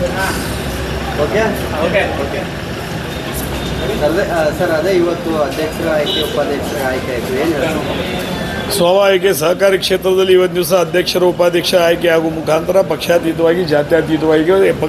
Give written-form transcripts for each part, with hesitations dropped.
Okay okay okay sir ಅದೇ ಇವತ್ತು ಅಧ್ಯಕ್ಷರ ಆಯ್ಕೆ ಉಪಾಧ್ಯಕ್ಷರ ಆಯ್ಕೆ ಆಯಿತು ಏನು ಹೇಳ್ತಾರೆ? ಸ್ವಾಭಾವಿಕ ಸಹಕಾರಿ ಕ್ಷೇತ್ರದಲ್ಲಿ ಇವತ್ತು ದಿವಸ ಅಧ್ಯಕ್ಷರು ಉಪಾಧ್ಯಕ್ಷ ಆಯ್ಕೆ ಆಗುವ ಮುಖಾಂತರ ಪಕ್ಷಾತೀತವಾಗಿ ಜಾತ್ಯತೀತವಾಗಿ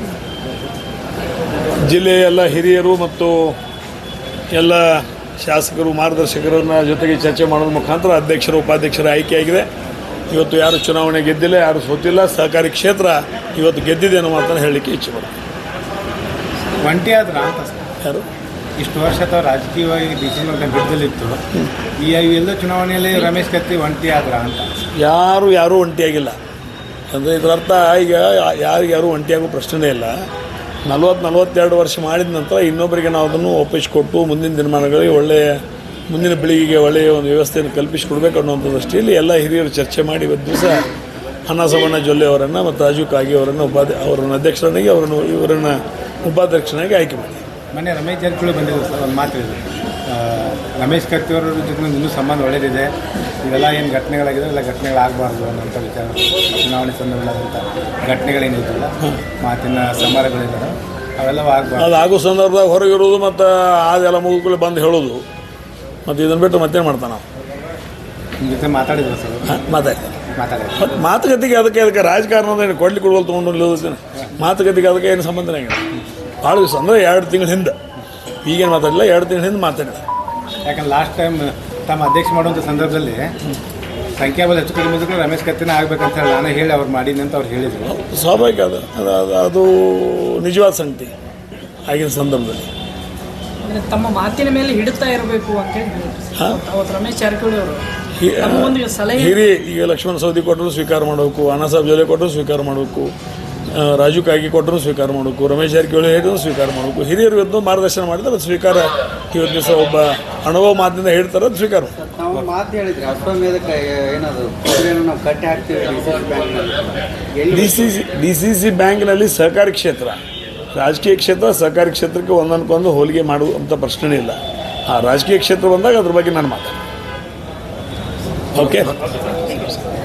ಜಿಲ್ಲೆಯ ಎಲ್ಲ ಹಿರಿಯರು ಮತ್ತು ಎಲ್ಲ ಶಾಸಕರು ಮಾರ್ಗದರ್ಶಕರನ್ನ ಜೊತೆಗೆ ಚರ್ಚೆ ಮಾಡೋದ್ರ ಮುಖಾಂತರ ಅಧ್ಯಕ್ಷರು ಉಪಾಧ್ಯಕ್ಷರ ಆಯ್ಕೆಯಾಗಿದೆ. ಇವತ್ತು ಯಾರು ಚುನಾವಣೆ ಗೆದ್ದಿಲ್ಲ, ಯಾರು ಸೋತಿಲ್ಲ, ಸಹಕಾರಿ ಕ್ಷೇತ್ರ ಇವತ್ತು ಗೆದ್ದಿದೆ ಅನ್ನೋ ಮಾತನ್ನು ಹೇಳಲಿಕ್ಕೆ ಇಚ್ಛೆ ಬರುತ್ತೆ. ಒಂಟಿ ಆದ್ರ ಅಂತ ಯಾರು ಇಷ್ಟು ವರ್ಷ ಅಥವಾ ರಾಜಕೀಯವಾಗಿ ಡಿಸಿಷನ್ ಅಂತ ಬಿದ್ದಲಿತ್ತು, ಈ ಎಲ್ಲ ಚುನಾವಣೆಯಲ್ಲಿ ರಮೇಶ್ ಕತ್ತಿ ಒಂಟಿ ಆದ್ರ ಅಂತ. ಯಾರೂ ಒಂಟಿಯಾಗಿಲ್ಲ. ಅಂದರೆ ಇದರರ್ಥ ಈಗ ಯಾರು ಒಂಟಿಯಾಗೋ ಪ್ರಶ್ನೆನೇ ಇಲ್ಲ. 40-42 ವರ್ಷ ಮಾಡಿದ ನಂತರ ಇನ್ನೊಬ್ಬರಿಗೆ ನಾವು ಅದನ್ನು ಒಪ್ಪಿಸಿಕೊಟ್ಟು ಮುಂದಿನ ದಿನಮಾನಗಳಿಗೆ ಮುಂದಿನ ಪೀಳಿಗೆಗೆ ಒಳ್ಳೆಯ ಒಂದು ವ್ಯವಸ್ಥೆಯನ್ನು ಕಲ್ಪಿಸಿಕೊಡ್ಬೇಕು ಅನ್ನೋಂಥ ದೃಷ್ಟಿಯಲ್ಲಿ ಎಲ್ಲ ಹಿರಿಯರು ಚರ್ಚೆ ಮಾಡಿ ಇವತ್ತು ದಿವಸ ಅನ್ನಸವಣ್ಣ ಜೊಲ್ಲೆ ಅವರನ್ನು ಮತ್ತು ರಾಜು ಕಾಗಿ ಅವರನ್ನು ಅವರನ್ನು ಅಧ್ಯಕ್ಷರನ್ನಾಗಿ ಇವರನ್ನು ಉಪಾಧ್ಯಕ್ಷನಾಗಿ ಆಯ್ಕೆ ಮಾಡಿ. ಮೊನ್ನೆ ರಮೇಶ್ ಜಾರಕಿಹೊಳಿ ಬಂದಿದ್ರು ಸರ್, ಒಂದು ಮಾತು ಹೇಳಿದ್ರು, ರಮೇಶ್ ಕತ್ತಿಯವರ ಜೊತೆ ಇನ್ನೂ ಸಂಬಂಧ ಒಳ್ಳೆಯದಿದೆ, ಇವೆಲ್ಲ ಏನು ಘಟನೆಗಳಾಗಿದೆ ಎಲ್ಲ ಘಟನೆಗಳಾಗಬಾರ್ದು ಅನ್ನೋಂಥ ವಿಚಾರ. ಚುನಾವಣೆ ಸಂದರ್ಭದಂಥ ಘಟನೆಗಳೇನಿದ್ದಿಲ್ಲ, ಮಾತಿನ ಸಮರಗಳಿದ್ದಾವೆ, ಅವೆಲ್ಲವೂ ಆಗಬಾರ್ದು. ಅದು ಆಗೋ ಸಂದರ್ಭದಾಗ ಹೊರಗಿರೋದು ಮತ್ತು ಅದೆಲ್ಲ ಮುಗಿದ್ಕೊಳ್ಳಿ ಬಂದು ಹೇಳೋದು, ಮತ್ತು ಇದನ್ನು ಬಿಟ್ಟು ಮತ್ತೇನು ಮಾಡ್ತಾನೆ ನಾವು ನಿಮ್ಮ ಜೊತೆ ಮಾತಾಡಿದ್ರು ಸರ್? ಮಾತಾಡಿದ್ರು. ಮಾತುಕತೆಗೆ ಅದಕ್ಕೆ ರಾಜಕಾರಣದ ಏನು ಕೊಡ್ಲಿಕ್ಕೆ ಕೊಡುವಲ್ಲಿ ತೊಗೊಂಡು ಮಾತುಕತೆಗೆ ಅದಕ್ಕೆ ಏನು ಸಂಬಂಧನೇ ಆಗಿಲ್ಲ. ಭಾಳ ದಿವಸ ಅಂದರೆ 2 ತಿಂಗಳ ಹಿಂದೆ, ಈಗೇನು ಮಾತಾಡಿಲ್ಲ, 2 ತಿಂಗಳ ಹಿಂದೆ ಮಾತಾಡಿಲ್ಲ. ಯಾಕಂದ್ರೆ ಲಾಸ್ಟ್ ಟೈಮ್ ತಮ್ಮ ಅಧ್ಯಕ್ಷ ಮಾಡುವಂಥ ಸಂದರ್ಭದಲ್ಲಿ ಸಂಖ್ಯಾಬಲ ಹೆಚ್ಚು ಕಡಿಮೆ ಇದ್ರೂ ರಮೇಶ್ ಕತ್ತಿನ ಆಗ್ಬೇಕಂತ ಹೇಳಿ ನಾನು ಹೇಳಿ ಅವ್ರು ಮಾಡೀನಿ ಅಂತ ಅವ್ರು ಹೇಳಿದರು. ಸ್ವಾಭಾವಿಕ ಅದು ನಿಜವಾದ ಸಂಗತಿ. ಆಗಿನ ಸಂದರ್ಭದಲ್ಲಿ ತಮ್ಮ ಮಾತಿನ ಮೇಲೆ ಹಿಡಿತಾ ಇರಬೇಕು ಅಂತ ಹೇಳಿ ಅವತ್ತು ರಮೇಶ್ ಜಾರಕಿಹೊಳಿ ಅವರು ಹಿರಿಯ ಈಗ ಲಕ್ಷ್ಮಣ ಸವದಿ ಕೊಟ್ಟರು ಸ್ವೀಕಾರ ಮಾಡಬೇಕು, ಅಣ್ಣಾಸಾಹೇಬ್ ಜೊಲ್ಲೆ ಕೊಟ್ಟರು ಸ್ವೀಕಾರ ಮಾಡಬೇಕು, ರಾಜು ಕಾಗಿ ಕೊಟ್ಟರು ಸ್ವೀಕಾರ ಮಾಡಬೇಕು, ರಮೇಶ್ ಜಾರಕಿಹೊಳಿ ಹೇಳಿದ್ರು ಸ್ವೀಕಾರ ಮಾಡಬೇಕು. ಹಿರಿಯರು ಇವತ್ತು ಮಾರ್ಗದರ್ಶನ ಮಾಡಿದ್ರೆ ಅದು ಸ್ವೀಕಾರ ಇವತ್ತು ದಿವಸ ಒಬ್ಬ ಅನುಭವ ಮಾತಿನಿಂದ ಹೇಳ್ತಾರೆ, ಅದು ಸ್ವೀಕಾರ. ನಾವು ಮಾತು ಹೇಳಿದ್ರಿ ಅಶ್ವಮೇಧಕ್ಕೆ ಏನದು ನಾವು ಕಟ್ಟಿ ಹಾಕ್ತೀವಿ ಡಿ ಸಿ ಸಿ ಬ್ಯಾಂಕ್ನಲ್ಲಿ ಸಹಕಾರಿ ಕ್ಷೇತ್ರ, ರಾಜಕೀಯ ಕ್ಷೇತ್ರ, ಸಹಕಾರಿ ಕ್ಷೇತ್ರಕ್ಕೆ ಒಂದೊಂದಕ್ಕೊಂದು ಹೋಲಿಕೆ ಮಾಡುವಂಥ ಪ್ರಶ್ನೆ ಇಲ್ಲ. ಆ ರಾಜಕೀಯ ಕ್ಷೇತ್ರ ಬಂದಾಗ ಅದ್ರ ಬಗ್ಗೆ ನಾನು ಮಾತಾಡ್ತೀನಿ. ಓಕೆ.